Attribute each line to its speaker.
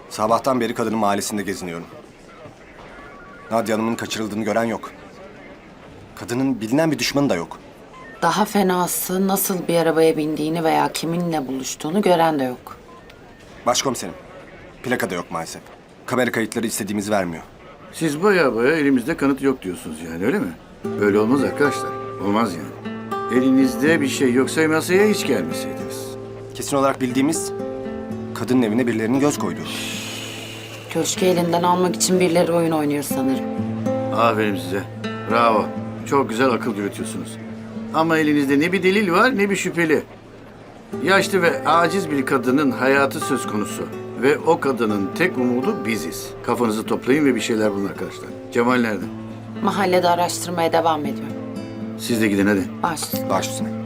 Speaker 1: Sabahtan beri kadının mahallesinde geziniyorum. Nadia Hanım'ın kaçırıldığını gören yok. Kadının bilinen bir düşmanı da yok.
Speaker 2: Daha fenası nasıl bir arabaya bindiğini veya kiminle buluştuğunu gören de yok.
Speaker 1: Başkomiserim, plaka da yok maalesef. Kamera kayıtları istediğimiz vermiyor.
Speaker 3: Siz baya elimizde kanıt yok diyorsunuz yani, öyle mi? Öyle olmaz arkadaşlar. Olmaz yani. Elinizde bir şey yoksa masaya hiç gelmeseydiniz.
Speaker 1: Kesin olarak bildiğimiz kadının evine birilerinin göz koyduğu.
Speaker 2: Köşkü elinden almak için birileri oyun oynuyor sanırım.
Speaker 3: Aferin size. Bravo. Çok güzel akıl yürütüyorsunuz. Ama elinizde ne bir delil var ne bir şüpheli. Yaşlı ve aciz bir kadının hayatı söz konusu. Ve o kadının tek umudu biziz. Kafanızı toplayın ve bir şeyler bulun arkadaşlar. Cemal nerede?
Speaker 2: Mahallede araştırmaya devam ediyor.
Speaker 3: Siz de gidin hadi.
Speaker 2: Baş.
Speaker 1: Baş üstüne.